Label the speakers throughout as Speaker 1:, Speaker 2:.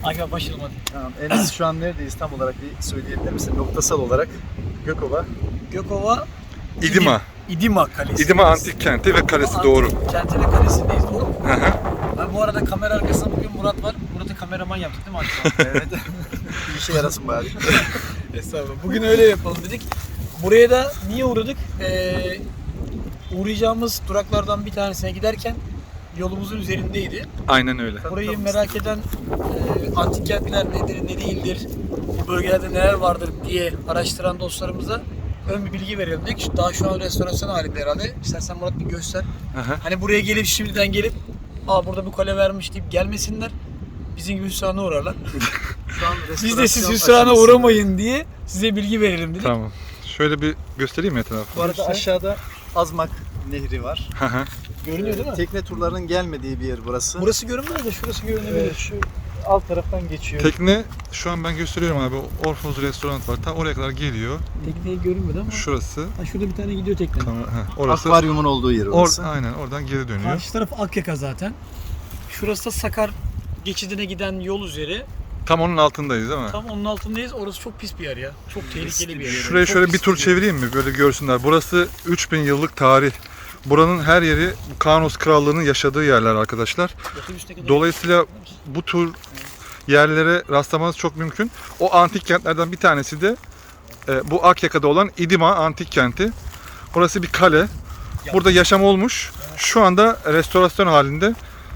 Speaker 1: Akif başlayalım hadi.
Speaker 2: Tamam. Enes şu an neredeyiz tam olarak bir söyleyebilir misin? Noktasal olarak Gökova.
Speaker 1: Gökova
Speaker 3: İdima.
Speaker 1: İdima Kalesi.
Speaker 3: İdima Antik Kenti ve Kalesi,
Speaker 1: Antik
Speaker 3: doğru.
Speaker 1: Kenti ve Kalesi'ndeyiz, doğru mu?
Speaker 3: Hı hı.
Speaker 1: Abi bu arada kamera arkasında bugün Murat var. Murat'ı kameraman yaptık değil mi Akif?
Speaker 2: Evet. Bir işe yarasın bari.
Speaker 1: Estağfurullah. Bugün öyle yapalım dedik. Buraya da niye uğradık? Uğrayacağımız duraklardan bir tanesine giderken yolumuzun üzerindeydi.
Speaker 3: Aynen öyle.
Speaker 1: Burayı merak eden antik kentler nedir, ne değildir, bu bölgelerde neler vardır diye araştıran dostlarımıza ön bir bilgi verelim dedik. Daha şu an restorasyon halinde herhalde. İstersen Murat bir göster.
Speaker 3: Hı hı.
Speaker 1: Hani buraya gelip şimdiden gelip burada bu kale vermiş deyip gelmesinler. Bizim gibi hüsrana uğrarlar.
Speaker 2: Şu an
Speaker 1: Biz de siz
Speaker 2: restorasyon
Speaker 1: hüsrana
Speaker 2: aşamasında.
Speaker 1: uğramayın diye size bilgi verelim dedik.
Speaker 3: Tamam. Şöyle bir göstereyim mi etrafı?
Speaker 2: Bu arada aşağıda Azmak Nehri var.
Speaker 3: Hı hı.
Speaker 1: Görünüyor değil mi?
Speaker 2: Tekne turlarının gelmediği bir yer burası.
Speaker 1: Burası görünmez de şurası görünebilir.
Speaker 2: Şu alt taraftan geçiyor.
Speaker 3: Tekne şu an ben gösteriyorum abi. Orfoz restoran var. Tam oraya kadar geliyor.
Speaker 1: Tekneyi görünmedi ama.
Speaker 3: Şurası.
Speaker 1: Ha, şurada bir tane gidiyor tekne.
Speaker 3: Orası.
Speaker 2: Akvaryumun olduğu yer orası.
Speaker 3: Aynen oradan geri dönüyor.
Speaker 1: Karşı taraf Akyaka zaten. Şurası da Sakar geçidine giden yol üzeri.
Speaker 3: Tam onun altındayız değil mi?
Speaker 1: Tam onun altındayız. Orası çok pis bir yer ya. Çok tehlikeli bir yer.
Speaker 3: Şuraya
Speaker 1: Çok
Speaker 3: şöyle
Speaker 1: pis
Speaker 3: bir tur çevireyim mi? Böyle görsünler. Burası 3000 yıllık tarih. Buranın her yeri Kaunos Krallığı'nın yaşadığı yerler arkadaşlar.
Speaker 1: Otobüste kadar-
Speaker 3: Dolayısıyla bu tür yerlere rastlamanız çok mümkün. O antik kentlerden bir tanesi de bu Akyaka'da olan İdima Antik Kenti. Burası bir kale. Burada yaşam olmuş. Şu anda restorasyon halinde.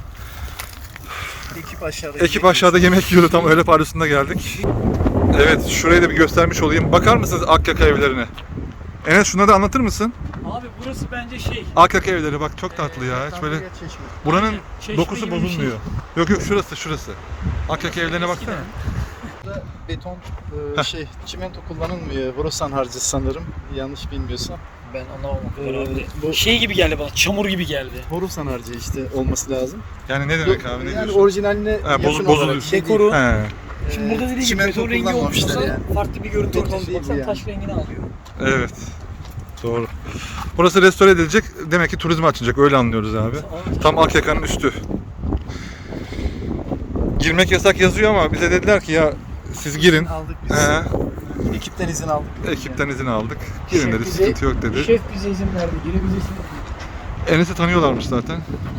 Speaker 3: Ekip aşağıda yemek yiyordu. Tam öğle paryosunda geldik. Evet, şurayı da bir göstermiş olayım. Bakar mısınız Akyaka evlerine? Enes şunları da anlatır mısın?
Speaker 1: Abi burası bence şey.
Speaker 3: Akyaka evleri bak çok tatlı ya. Hiç böyle buranın
Speaker 1: Aynen, çeşme
Speaker 3: dokusu
Speaker 1: gibi bir
Speaker 3: bozulmuyor.
Speaker 1: şey.
Speaker 3: Yok şurası. Akyaka evlerine baksana.
Speaker 1: Eskiden.
Speaker 2: Burada beton çimento kullanılmıyor. Borusan harcı sanırım. Yanlış bilmiyorsam.
Speaker 1: Ben anlamam o kadar abi.
Speaker 2: Bu
Speaker 1: Şey gibi geldi bana. Çamur gibi geldi.
Speaker 2: Borusan harcı işte olması lazım.
Speaker 3: Yani ne demek abi ne
Speaker 2: Yani
Speaker 3: diyorsun?
Speaker 2: orijinaline yakın
Speaker 3: bozuluyor.
Speaker 2: olarak şey
Speaker 1: Dekoru.
Speaker 2: değil.
Speaker 3: He,
Speaker 1: Şimdi burada dediği gibi
Speaker 2: çimento
Speaker 1: beton rengi olmuş
Speaker 2: kullanmamışlar
Speaker 1: olsa
Speaker 2: yani.
Speaker 1: farklı bir görüntü
Speaker 2: Beton
Speaker 1: ortaya
Speaker 2: değil bu
Speaker 1: baksana
Speaker 2: yani.
Speaker 1: taş rengini alıyor.
Speaker 3: evet. Doğru. Burası restore edilecek. Demek ki turizme açılacak. Öyle anlıyoruz abi. Tam Akyaka'nın üstü. Girmek yasak yazıyor ama bize dediler ki ya siz girin.
Speaker 2: Aldık biz.
Speaker 3: He,
Speaker 2: Ekipten izin aldık.
Speaker 3: ekipten izin aldık. Girin dedi.
Speaker 1: Şef bize-
Speaker 3: Sıkıntı yok dedi.
Speaker 1: Şef bize izin verdi. Girebilirsin.
Speaker 3: Enes'i tanıyorlarmış zaten.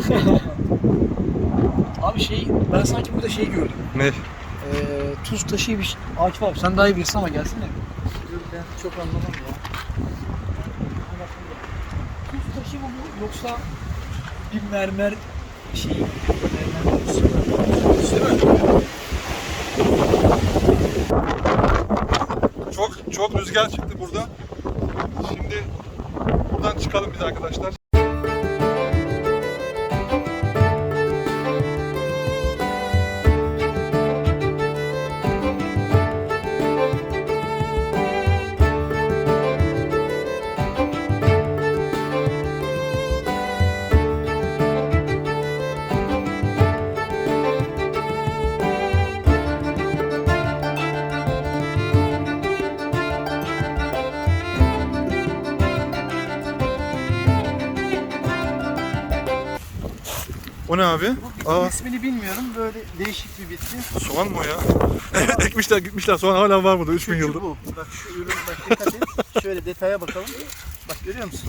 Speaker 1: Abi şey, ben sanki burada şey gördüm.
Speaker 3: Ne?
Speaker 1: Tuz taşı bir şey. Akif abi sen daha iyi bilirsin ama gelsene.
Speaker 2: Ben çok anlamam ya.
Speaker 1: Tuz taşı mı bu yoksa bir mermer şey?
Speaker 2: Mermer kutusu var.
Speaker 1: Değil mi?
Speaker 3: Çok rüzgar çıktı burada. Şimdi buradan çıkalım biz arkadaşlar. O ne abi? Aa,
Speaker 2: İsmini bilmiyorum. Böyle değişik bir bitki.
Speaker 3: soğan mı o ya? Ekmişler gitmişler. Soğan hala var burada 3000 yıldır.
Speaker 2: Bu. Bak şu ürün bak dikkat et. Şöyle detaya bakalım. Bak görüyor musun?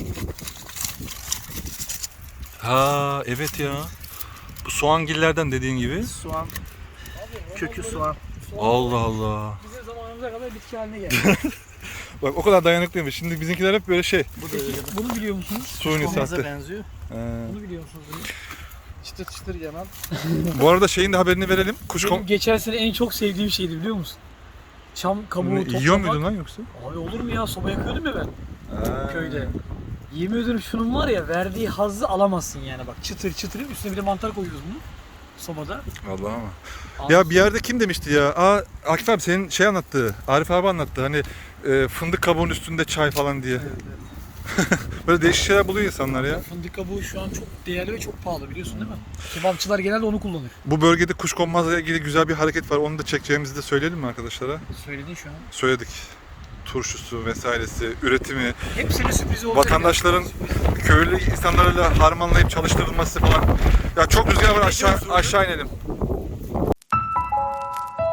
Speaker 3: Ha evet ya. Bu soğangillerden dediğin gibi.
Speaker 2: Soğan. Kökü soğan.
Speaker 3: Allah Allah.
Speaker 1: Bizim zamanımıza kadar bitki haline geldi.
Speaker 3: Bak o kadar dayanıklıymış. Şimdi bizimkiler hep böyle şey.
Speaker 2: Bu da öyle.
Speaker 1: Bunu biliyor musunuz?
Speaker 3: Suyunu
Speaker 2: Olmaza
Speaker 3: sattı.
Speaker 2: benziyor.
Speaker 1: Bunu biliyor musunuz?
Speaker 2: Çıtır çıtır yanan.
Speaker 3: Bu arada şeyin de haberini verelim.
Speaker 1: Benim geçen sene en çok sevdiğim şeydi biliyor musun? Çam kabuğu toplamak.
Speaker 3: Yiyor muydun lan yoksa?
Speaker 1: Abi olur mu ya, soba yakıyordum ya ben köyde. Yemin ediyorum şunun var ya, verdiği hazzı alamazsın yani, bak çıtır çıtır, üstüne bir de mantar koyuyoruz bunu sobada.
Speaker 3: Allah ama. Ya bir yerde kim demişti ya? Akif abi senin şey anlattı. Arif abi anlattı. Hani fındık kabuğunun üstünde çay falan diye. Böyle değişik şeyler buluyor insanlar ya.
Speaker 1: Fındık kabuğu şu an çok değerli ve çok pahalı, biliyorsun değil mi? Kebapçılar genelde onu kullanır.
Speaker 3: Bu bölgede kuşkonmazla ilgili güzel bir hareket var. Onu da çekeceğimizi de söyleyelim mi arkadaşlara?
Speaker 1: Söyledin şu an.
Speaker 3: Söyledik. Turşusu vesairesi, üretimi,
Speaker 1: Hepsinin sürprizi olacak.
Speaker 3: vatandaşların köylü insanlarla harmanlayıp çalıştırılması falan. Ya çok rüzgar var, aşağı inelim.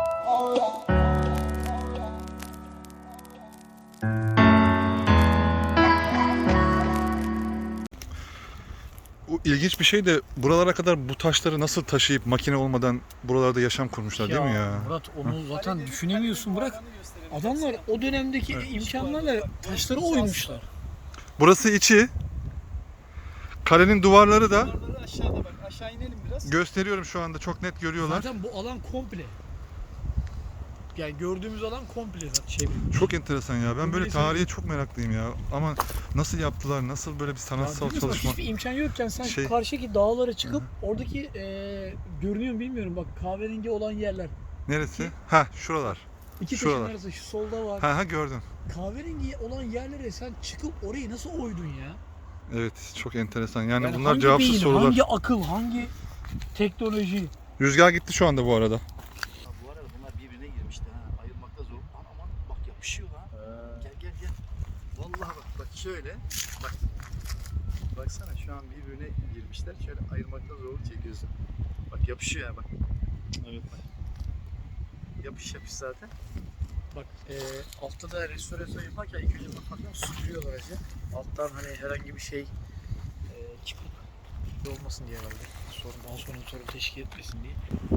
Speaker 3: ilginç bir şey de buralara kadar bu taşları nasıl taşıyıp makine olmadan buralarda yaşam kurmuşlar değil mi ya?
Speaker 1: Murat onu zaten düşünemiyorsun bırak. Adamlar o dönemdeki imkanlarla taşları oymuşlar.
Speaker 3: Burası içi. Kalenin duvarları da
Speaker 2: Duvarları aşağıda bak. Aşağı inelim biraz.
Speaker 3: gösteriyorum şu anda, çok net görüyorlar.
Speaker 1: Zaten bu alan komple. Yani gördüğümüz alan komple zaten
Speaker 3: Çok enteresan ya. Ben böyle
Speaker 1: Bilmiyorum.
Speaker 3: tarihe çok meraklıyım ya. Ama nasıl yaptılar? Nasıl böyle bir sanatsal
Speaker 1: Ya
Speaker 3: çalışma?
Speaker 1: hiçbir imkan yokken sen
Speaker 3: Şey-
Speaker 1: şu karşıdaki dağlara çıkıp oradaki görünüyor mu bilmiyorum bak kahverengi olan yerler.
Speaker 3: Neresi? Ha, şuralar.
Speaker 1: İki
Speaker 3: Şuralar.
Speaker 1: taşın arası şu solda var.
Speaker 3: Ha gördüm.
Speaker 1: Kahverengi olan yerlere sen çıkıp orayı nasıl oydun ya?
Speaker 3: Evet, çok enteresan. Yani bunlar
Speaker 1: hangi
Speaker 3: cevapsız
Speaker 1: beyin,
Speaker 3: sorular.
Speaker 1: hangi akıl, hangi teknoloji?
Speaker 3: Rüzgar gitti şu anda bu arada.
Speaker 2: Bu arada bunlar birbirine girmişti ha. Ayırmakta zor. Aman bak yapışıyor ha. Gel. Vallahi bak şöyle. Bak. Baksana şu an birbirine girmişler. Şöyle ayırmakta zorluk çekiyorsun. Bak yapışıyor ya bak. Evet. Yapış zaten.
Speaker 1: Bak altta da restorasyon yaparken ilk önce bakmaktan süpürüyorlar acı. Alttan hani herhangi bir şey çıkıp şey olmasın diye herhalde. Daha sonra sorun teşkil etmesin diye.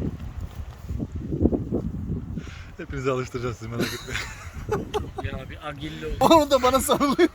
Speaker 3: Hepinizi alıştıracağız sizi, merak etmeyin.
Speaker 1: Ya bir agilli oldu.
Speaker 2: Onu da bana sarılıyor.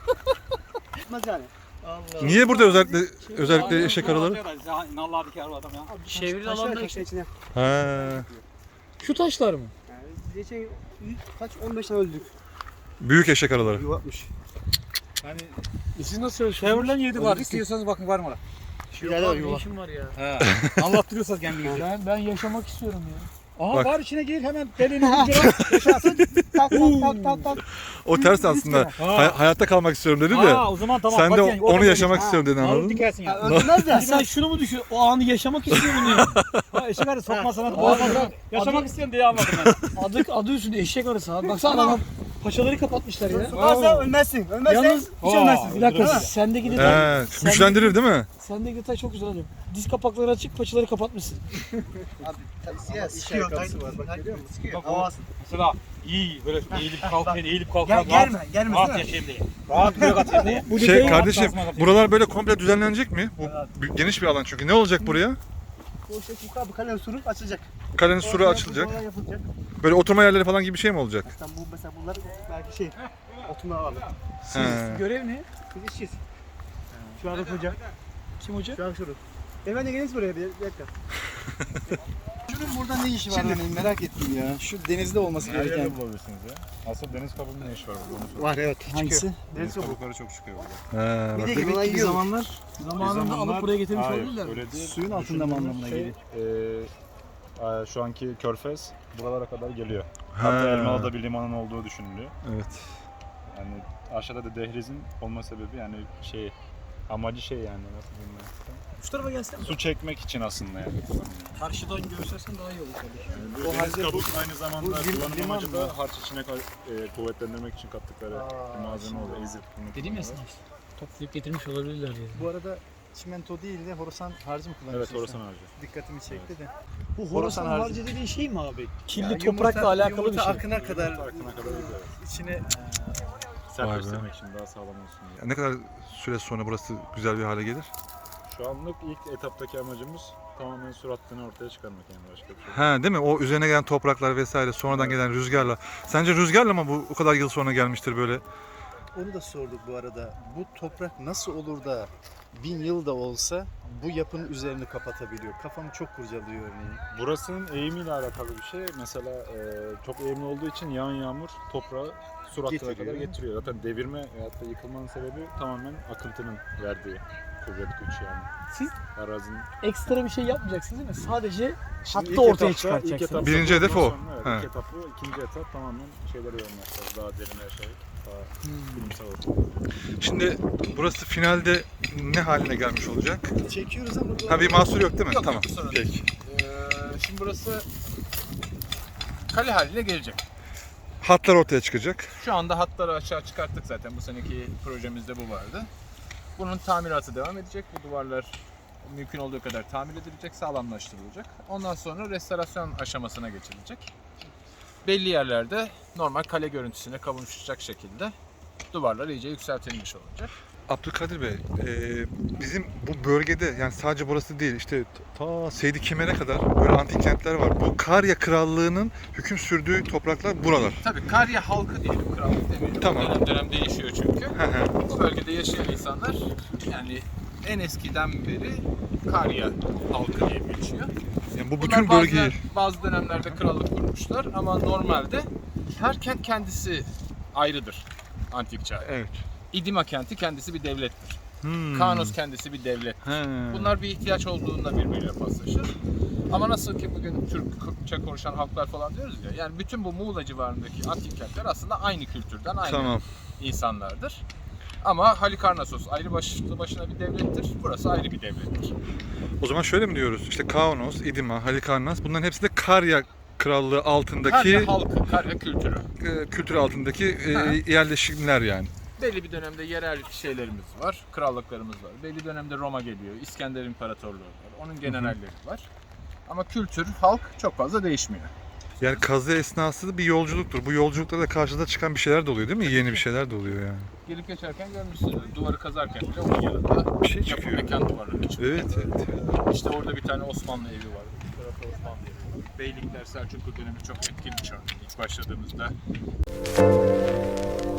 Speaker 1: Allah.
Speaker 3: Niye burada özellikle eşek araları?
Speaker 4: Nallardaki araba adam ya.
Speaker 1: Çevrili alanda işte.
Speaker 4: içine.
Speaker 3: Ha.
Speaker 1: Şu taşlar mı?
Speaker 4: Yani geçen kaç 15 tane öldük.
Speaker 3: Büyük eşek araları.
Speaker 4: Yuvatmış.
Speaker 1: Hani siz nasıl çalışıyorsunuz?
Speaker 4: Chevrolet 7 var. İstiyorsanız bakın var mı orada?
Speaker 1: Yok abi, ne işim var ya?
Speaker 4: He. Anlattırıyorsanız kendinizi.
Speaker 1: Ben yaşamak istiyorum ya.
Speaker 4: Aha
Speaker 3: Bak.
Speaker 4: var içine gir hemen belini bir kere yaşarsın. Tak tak tak.
Speaker 3: O ters aslında. Hayatta kalmak istiyorum dedi de.
Speaker 4: Aa o zaman tamam.
Speaker 3: Sen de
Speaker 4: bak yani,
Speaker 3: onu yaşamak istiyorum dedin, anladın
Speaker 4: Alıp
Speaker 3: mı?
Speaker 4: dikersin yani.
Speaker 1: Öldürmez de. Sen şunu mu düşün? O anı yaşamak istiyorum ya.
Speaker 4: Ha eşek arı sokma sana.
Speaker 1: Adı-
Speaker 4: Yaşamak
Speaker 1: adı-
Speaker 4: istiyorum diye anladım ben.
Speaker 1: Adı üstünde eşek arısı abi. Baksana adam paçaları kapatmışlar ya.
Speaker 4: Varsa ölmezsin. Ölmezsen
Speaker 1: Yalnız
Speaker 4: hiç ölmezsin.
Speaker 1: bir dakika sendeki detay.
Speaker 3: He, güçlendirir değil mi?
Speaker 1: Sendeki detay çok güzel hocam. Diz kapakları açık, paçaları kapatmışsın.
Speaker 2: Siyah iş ayakkabısı var bak görüyor musun?
Speaker 4: Bak o mesela iyi böyle eğilip kalkan
Speaker 2: Gel gelme
Speaker 4: rahat yaşayayım diye. Rahat böyle atayım diye.
Speaker 1: Bu
Speaker 3: Şey
Speaker 1: detayı
Speaker 3: kardeşim, buralar böyle komple düzenlenecek mi? Bu geniş bir alan çünkü. Ne olacak buraya?
Speaker 4: O şey yukarı kalenin suru açılacak.
Speaker 3: Kalenin suru açılacak.
Speaker 4: Oralar yapılacak.
Speaker 3: Böyle oturma yerleri falan gibi bir şey mi olacak?
Speaker 4: Sen bu mesela bunlar belki şey oturma alanı.
Speaker 3: He.
Speaker 1: görev ne?
Speaker 4: Biz işçiyiz. Şu anda hoca.
Speaker 1: Kim hoca?
Speaker 4: Şu an şurada. Efendim geliniz buraya bir dakika.
Speaker 2: Şunun burada ne işi var hani merak ettim ya. Şu denizde olması
Speaker 5: Her
Speaker 2: gereken.
Speaker 5: yerde bulabilirsiniz ya. Asıl deniz kabuğunun ne işi var burada onu sorayım.
Speaker 4: Var evet.
Speaker 2: Hangisi?
Speaker 5: Deniz kabukları çok çıkıyor burada.
Speaker 3: He, bak.
Speaker 4: Bir de
Speaker 2: Demek ki bir
Speaker 4: yiyor.
Speaker 2: zamanlar
Speaker 1: Zamanında alıp buraya getirmiş
Speaker 5: Hayır,
Speaker 1: olabilirler mi?
Speaker 5: öyle değil.
Speaker 2: suyun altında mı anlamına geliyor?
Speaker 5: Şu anki Körfez buralara kadar geliyor.
Speaker 3: Ha.
Speaker 5: Hatta Elmalı'da bir limanın olduğu düşünülüyor.
Speaker 3: Evet.
Speaker 5: Yani aşağıda da dehlizin olma sebebi yani amacı yani nasıl diyeyim ben.
Speaker 1: Şu tarafa gelsene.
Speaker 5: Su çekmek için aslında yani.
Speaker 1: Karşıdan göstersen daha iyi olur kardeşim.
Speaker 5: O deniz kabuk aynı zamanda
Speaker 2: bu
Speaker 5: kullanım
Speaker 2: liman
Speaker 5: amacı
Speaker 2: mı?
Speaker 5: da harç içine kuvvetlendirmek için kattıkları bir malzeme oluyor. Ezip bunu
Speaker 1: Dedim ya
Speaker 5: kullanıyorlar.
Speaker 1: sana. Toplayıp getirmiş olabilirler diye.
Speaker 2: Bu arada çimento değil de horasan harcı mı kullanıyorsun?
Speaker 5: Evet, orasan
Speaker 2: sen?
Speaker 5: harcı.
Speaker 2: Dikkatimi çekti de.
Speaker 1: Bu
Speaker 2: Horasan
Speaker 1: Horasan
Speaker 2: harcı.
Speaker 1: harcı dediğin şey mi abi? Kirli
Speaker 2: Ya
Speaker 1: toprakla alakalı bir
Speaker 2: yumurta
Speaker 1: şey.
Speaker 2: akına kadar
Speaker 5: Akına kadar gidiyor.
Speaker 2: içine
Speaker 3: Vay be.
Speaker 5: Sertleştirmek için daha sağlam olsun diye.
Speaker 3: Ne kadar süre sonra burası güzel bir hale gelir?
Speaker 5: Şu anlık ilk etaptaki amacımız tamamen sur hattını ortaya çıkarmak yani başka bir şey.
Speaker 3: Ha, değil mi? O üzerine gelen topraklar vesaire sonradan gelen rüzgarla. Sence rüzgarla mı bu o kadar yıl sonra gelmiştir böyle?
Speaker 2: onu da sorduk bu arada. Bu toprak nasıl olur da 1000 yıl da olsa bu yapının üzerini kapatabiliyor? Kafamı çok kurcalıyor örneğin.
Speaker 5: Burasının eğimiyle alakalı bir şey. Mesela çok eğimli olduğu için yağan yağmur toprağı sur hattına
Speaker 2: Getiriyor.
Speaker 5: kadar getiriyor. Zaten devirme veyahut da yıkılmanın sebebi tamamen akıntının verdiği kuvvet güç yani.
Speaker 1: Siz
Speaker 5: Arazinin
Speaker 1: ekstra bir şey yapmayacaksınız değil mi? Sadece
Speaker 5: Şimdi
Speaker 1: hattı
Speaker 5: ilk
Speaker 1: ortaya
Speaker 5: etapta-
Speaker 1: çıkartacaksınız.
Speaker 5: ilk etapta
Speaker 3: Birinci hedef
Speaker 5: ondan
Speaker 3: o.
Speaker 5: sonra, evet,
Speaker 3: He.
Speaker 5: ilk etap bu. İkinci etap tamamen şeylere yoğunlaşacağız. Daha derine yaşayıp daha bilimsel olarak.
Speaker 3: Şimdi burası finalde ne haline gelmiş olacak?
Speaker 2: Çekiyoruz ama
Speaker 3: Ha, bir mahsur yok değil mi?
Speaker 6: Yok,
Speaker 3: Tamam.
Speaker 6: yok, sorun
Speaker 3: Peki.
Speaker 6: Şimdi burası kale haline gelecek.
Speaker 3: Hatlar ortaya çıkacak.
Speaker 6: Şu anda hatları aşağı çıkarttık zaten. Bu seneki projemizde bu vardı. Bunun tamiratı devam edecek. Bu duvarlar mümkün olduğu kadar tamir edilecek, sağlamlaştırılacak. Ondan sonra restorasyon aşamasına geçilecek. Belli yerlerde normal kale görüntüsüne kavuşacak şekilde duvarlar iyice yükseltilmiş olacak.
Speaker 3: Abdülkadir Bey, bizim bu bölgede yani sadece burası değil işte ta Seydi Kemer'e kadar böyle antik kentler var. Bu Karya Krallığı'nın hüküm sürdüğü topraklar buralar.
Speaker 6: Tabii Karya halkı diyelim, krallık demeyelim.
Speaker 3: Tamam.
Speaker 6: Dönem dönem değişiyor çünkü.
Speaker 3: Hı hı.
Speaker 6: Bu bölgede yaşayan insanlar yani en eskiden beri Karya halkı diye geçiyor.
Speaker 3: Yani bu
Speaker 6: Bunlar
Speaker 3: bütün bölgeyi
Speaker 6: bazı dönemlerde krallık kurmuşlar ama normalde her kent kendisi ayrıdır antik çağ.
Speaker 3: evet.
Speaker 6: İdima kenti kendisi bir devlettir.
Speaker 3: Hmm.
Speaker 6: Kanos kendisi bir devlet.
Speaker 3: He.
Speaker 6: Bunlar bir ihtiyaç olduğunda birbiriyle paslaşır. Ama nasıl ki bugün Türkçe konuşan halklar falan diyoruz ya, yani bütün bu Muğla civarındaki antik kentler aslında aynı kültürden, aynı
Speaker 3: Tamam.
Speaker 6: insanlardır. Ama Halikarnassos ayrı başına bir devlettir, burası ayrı bir devlettir.
Speaker 3: O zaman şöyle mi diyoruz? İşte Kaunos, İdima, Halikarnas bunların hepsi de Karya Krallığı altındaki
Speaker 6: Karya halkı, Karya kültürü.
Speaker 3: kültür altındaki
Speaker 6: Ha.
Speaker 3: yerleşimler yani.
Speaker 6: Belli bir dönemde yerel şeylerimiz var, krallıklarımız var. Belli dönemde Roma geliyor, İskender İmparatorluğu var, onun generalleri var. Ama kültür, halk çok fazla değişmiyor.
Speaker 3: Yani kazı esnası bir yolculuktur. Bu yolculukta da karşıda çıkan bir şeyler de oluyor değil mi? Yeni bir şeyler de oluyor yani.
Speaker 6: Gelip geçerken görmüşsünüz, duvarı kazarken bile onun yanında
Speaker 3: Bir şey
Speaker 6: yapı
Speaker 3: çıkıyor.
Speaker 6: mekan duvarları çıkıyor.
Speaker 3: Evet, evet.
Speaker 6: İşte orada bir tane Osmanlı evi var. Bu tarafta Osmanlı evi var. Beylikler Selçuklu dönemi çok etkili bir çağ. İlk başladığımızda